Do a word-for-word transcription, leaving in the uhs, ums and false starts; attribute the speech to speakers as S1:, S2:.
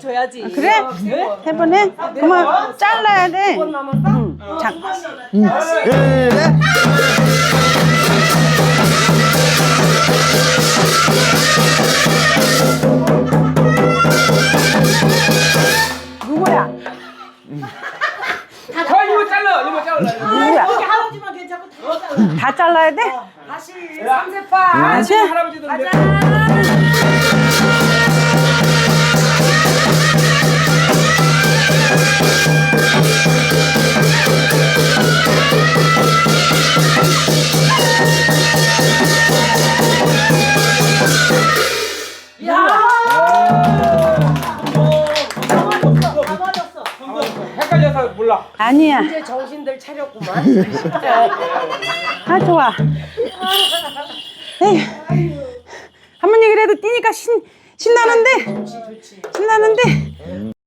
S1: 줘야지.
S2: 그래? 세 번 해? 그러면 잘라야 돼. 응. 자.
S3: 그래?
S2: 누구야?
S4: 자, 이거 잘라. 이거 잘라.
S2: 누구야?
S1: 할아버지만 괜찮고 다 잘라.
S2: 다 잘라야 돼?
S1: 다시 삼세판.
S2: 다시?
S4: 할아버지들 헷갈려서 몰라.
S2: 아니야.
S1: 이제 정신들 차렸구만.
S2: 아, 좋아. 에휴. 할머니 그래도 뛰니까 신, 신나는데? 신나는데?